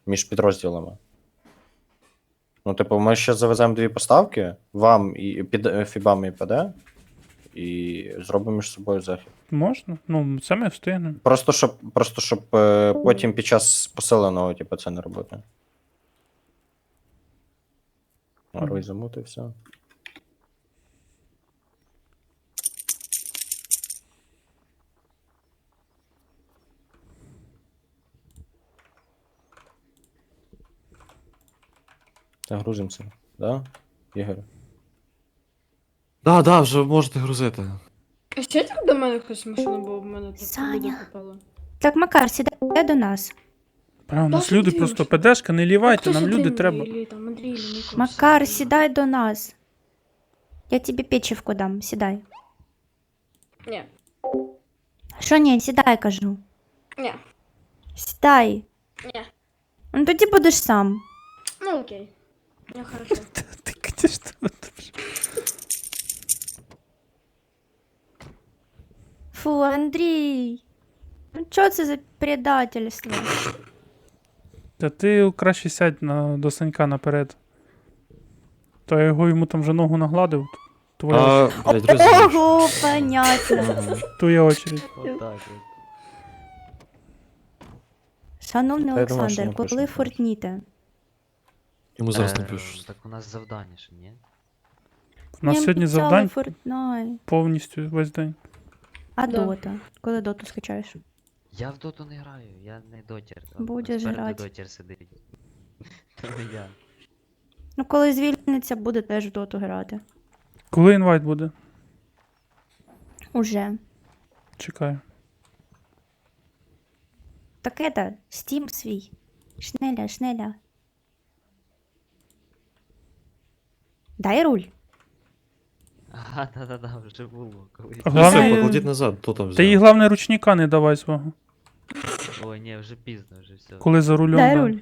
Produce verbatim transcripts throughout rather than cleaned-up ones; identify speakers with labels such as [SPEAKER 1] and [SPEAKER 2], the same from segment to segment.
[SPEAKER 1] між підрозділами. Ну, типу, ми ще завеземо дві поставки, вам і під е, фібам і ПД, і зробимо між собою захід.
[SPEAKER 2] Можна? Ну, це ми встигнемо.
[SPEAKER 1] Просто щоб, просто щоб е, потім під час посиленого, типу, це не робити. Рой замути, все. Та грузимося, да, Ігор?
[SPEAKER 3] Да, да, вже можете грузити.
[SPEAKER 4] А ще так до мене хтось машина, бо в мене тут
[SPEAKER 5] Саня.
[SPEAKER 4] люди попало.
[SPEAKER 5] Так, Макар, сідай до нас.
[SPEAKER 2] Прямо, у нас
[SPEAKER 4] Та
[SPEAKER 2] люди
[SPEAKER 4] ти
[SPEAKER 2] просто
[SPEAKER 4] ж.
[SPEAKER 2] ПДшка, не лівайте,
[SPEAKER 4] Хто
[SPEAKER 2] нам
[SPEAKER 4] сюди,
[SPEAKER 2] люди
[SPEAKER 4] Андрій,
[SPEAKER 2] треба.
[SPEAKER 4] Іллі, там, Андрій, Іллі, Ніколас?
[SPEAKER 5] Макар, сідай до нас. Я тобі печивку дам, сідай.
[SPEAKER 4] Ні,
[SPEAKER 5] Що ні, сідай, кажу.
[SPEAKER 4] ні,
[SPEAKER 5] Сідай.
[SPEAKER 4] ні.
[SPEAKER 5] Ну тоді будеш сам.
[SPEAKER 4] Ну окей. Я хорошо.
[SPEAKER 2] Ти, конечно, дуже.
[SPEAKER 5] Фу, Андрій. Ну чого це за предательство?
[SPEAKER 2] Та ти краще сядь на, до Санька наперед. То я його йому там вже ногу нагладив. Твоя,
[SPEAKER 3] А, блядь, розумієш.
[SPEAKER 5] Ого, понятно.
[SPEAKER 2] твоя очередь.
[SPEAKER 3] Отак от.
[SPEAKER 5] Шановний
[SPEAKER 1] Та я думаю, що
[SPEAKER 5] Олександр,
[SPEAKER 1] напишемо
[SPEAKER 5] коли
[SPEAKER 1] просто.
[SPEAKER 5] фортніте?
[SPEAKER 3] Йому зараз
[SPEAKER 6] Е,
[SPEAKER 3] напишу.
[SPEAKER 6] Так у нас завдання ж, ні?
[SPEAKER 2] У нас сьогодні завдань
[SPEAKER 5] Фортнайт.
[SPEAKER 2] повністю весь день.
[SPEAKER 5] А
[SPEAKER 4] Да.
[SPEAKER 5] дота? Коли доту скачаєш?
[SPEAKER 6] Я в доту не граю, я не дотір.
[SPEAKER 5] Будеш грати.
[SPEAKER 6] Дотір сидить. То не я.
[SPEAKER 5] Ну коли звільниться, буде теж в доту грати.
[SPEAKER 2] Коли інвайт буде?
[SPEAKER 5] Уже.
[SPEAKER 2] Чекаю.
[SPEAKER 5] Так это, Steam свій. Шнеля, шнеля. Дай руль.
[SPEAKER 6] Ага, да-да-да, вже було. Коли...
[SPEAKER 2] А
[SPEAKER 3] Ну, все,
[SPEAKER 2] Главне-
[SPEAKER 3] покладіть назад, хто там
[SPEAKER 2] Та їй
[SPEAKER 3] взяв.
[SPEAKER 2] головне ручника не давай свого.
[SPEAKER 6] Ой, ні, вже пізно, вже все.
[SPEAKER 2] Коли за рулем.
[SPEAKER 5] Дай
[SPEAKER 2] да.
[SPEAKER 5] руль.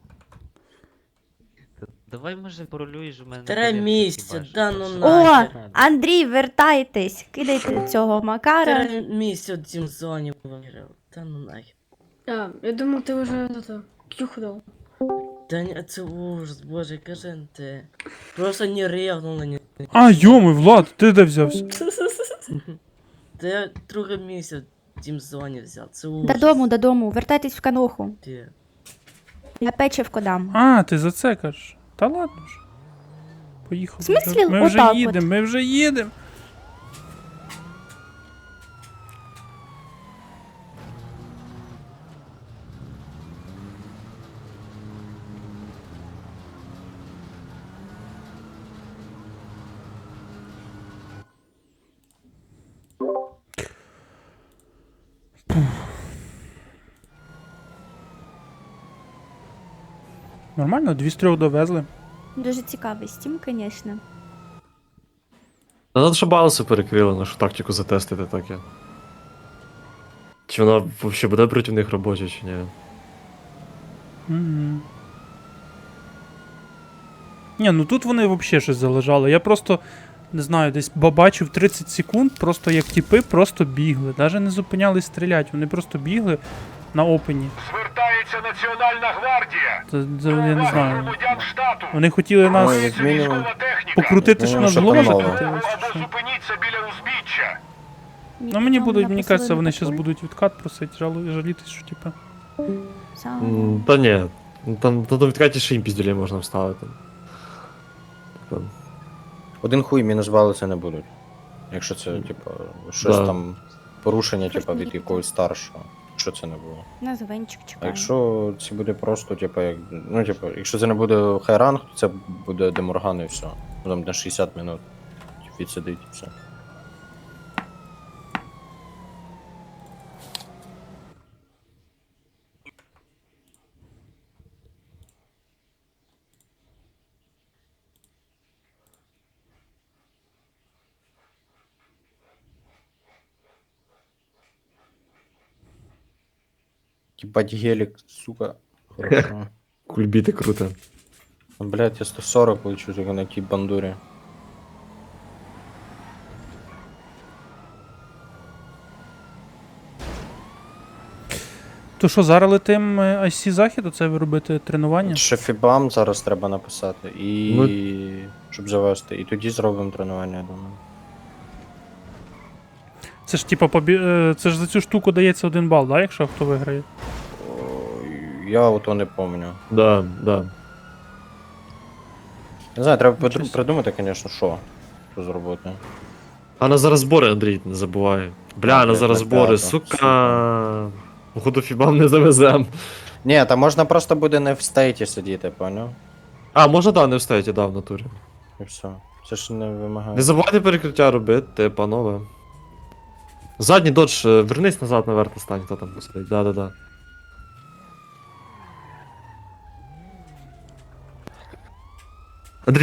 [SPEAKER 6] Давай, може, порулюєш у мене.
[SPEAKER 7] Три
[SPEAKER 6] тарілки
[SPEAKER 7] місяці,
[SPEAKER 6] хіба що,
[SPEAKER 7] да
[SPEAKER 6] так
[SPEAKER 7] ну
[SPEAKER 6] що-
[SPEAKER 7] на.
[SPEAKER 5] О,
[SPEAKER 7] Нахер.
[SPEAKER 5] Андрій, вертайтесь. Кидайте цього Макара.
[SPEAKER 7] Три місяці в цім зоні виграв. Та ну нахер.
[SPEAKER 4] А, я думав, ти вже это, кюху дав.
[SPEAKER 7] Та ні, це ужас, боже, кажи ти. Просто не ревнув на нього.
[SPEAKER 2] А, йоми, Влад, ти де взявся?
[SPEAKER 7] Та я другий місяць в цім зоні взяв, це ужас.
[SPEAKER 5] Додому, додому, вертайтесь в каноху.
[SPEAKER 7] Ти.
[SPEAKER 5] Я печивку дам.
[SPEAKER 2] А, ти за це кажеш. Та ладно ж. Поїхали.
[SPEAKER 5] В смислі,
[SPEAKER 2] Ми вже
[SPEAKER 5] отак от?
[SPEAKER 2] їдемо, ми вже їдемо. Нормально, дві з трьох довезли.
[SPEAKER 5] Дуже цікавий Steam, звісно.
[SPEAKER 3] Та надо, щоб баланси перекрили, нашу тактику затестити таке. Чи вона взагалі буде проти них робоча, чи ні?
[SPEAKER 2] Угу. Ні, ну тут вони взагалі щось залежали. Я просто, не знаю, десь бачив тридцять секунд, просто як тіпи просто бігли. Навіть не зупинялись стріляти, вони просто бігли на опені.
[SPEAKER 8] Звертається Національна гвардія.
[SPEAKER 2] Це, це я не знаю.
[SPEAKER 8] Громадян штату.
[SPEAKER 2] Вони хотіли нас
[SPEAKER 1] Ой, як мінімум.
[SPEAKER 8] Військова техніка.
[SPEAKER 2] покрутити, що
[SPEAKER 1] Ну,
[SPEAKER 2] нас
[SPEAKER 1] що
[SPEAKER 2] голова
[SPEAKER 1] там мало?
[SPEAKER 2] закрутилась. чи
[SPEAKER 8] Або
[SPEAKER 2] що?
[SPEAKER 8] зупиніться біля узбіччя.
[SPEAKER 2] Ну мені будуть, мені
[SPEAKER 5] Написали
[SPEAKER 2] кажеться, вони
[SPEAKER 5] на
[SPEAKER 2] зараз
[SPEAKER 5] такой.
[SPEAKER 2] будуть відкат просити, жалу, жалітись, що типа.
[SPEAKER 5] Сам.
[SPEAKER 3] М, Та ні. Ну, Там на відкаті ще їм пізділей можна вставити. Там.
[SPEAKER 1] Один хуй мінус бали це не будуть. Якщо це, типу, щось
[SPEAKER 3] Да.
[SPEAKER 1] там порушення, типу, від
[SPEAKER 5] Фортніте.
[SPEAKER 1] якогось старшого. Що це не було.
[SPEAKER 5] На звенчик
[SPEAKER 1] А
[SPEAKER 5] чекаю.
[SPEAKER 1] якщо це буде просто, типу, як. Ну, типу, якщо це не буде хайранг, то це буде деморган і все. Ну, там на шістдесят минут відсидить і все. Ебать гелик, сука. Хорошо.
[SPEAKER 3] Кульбіти круто.
[SPEAKER 1] Блять, я сто сорок получу только на тій бандурі.
[SPEAKER 2] То що, зараз летим е, ай сі захід, оце ви робите тренування?
[SPEAKER 1] Ще фібам зараз треба написати. І.
[SPEAKER 3] Ну-
[SPEAKER 1] Щоб завести. І тоді зробимо тренування, я думаю.
[SPEAKER 2] Це ж типа побі... е, це ж за цю штуку дається один бал, да, якщо хто виграє?
[SPEAKER 1] Ой, я ото не пам'ятаю.
[SPEAKER 3] Да, да.
[SPEAKER 1] Не знаю, треба
[SPEAKER 2] Нічого
[SPEAKER 1] придум-
[SPEAKER 2] собі.
[SPEAKER 1] придумати, звісно, що. Що зробити.
[SPEAKER 3] А на зараз збори, Андрій, не забувай. Бля,
[SPEAKER 1] А,
[SPEAKER 3] на
[SPEAKER 1] блядь,
[SPEAKER 3] зараз
[SPEAKER 1] на
[SPEAKER 3] збори,
[SPEAKER 1] п'яту,
[SPEAKER 3] сука. Походу фібам не завезем.
[SPEAKER 1] Ні, та можна просто буде не в стейті сидіти, поняв?
[SPEAKER 3] А, можна да, не встаєте, да, в натурі.
[SPEAKER 1] І все. Це ж не вимагає.
[SPEAKER 3] Не забувайте перекриття робити, панове. Задній додж, е, вернись назад наверх, стань, хто там посидить. Да-да-да.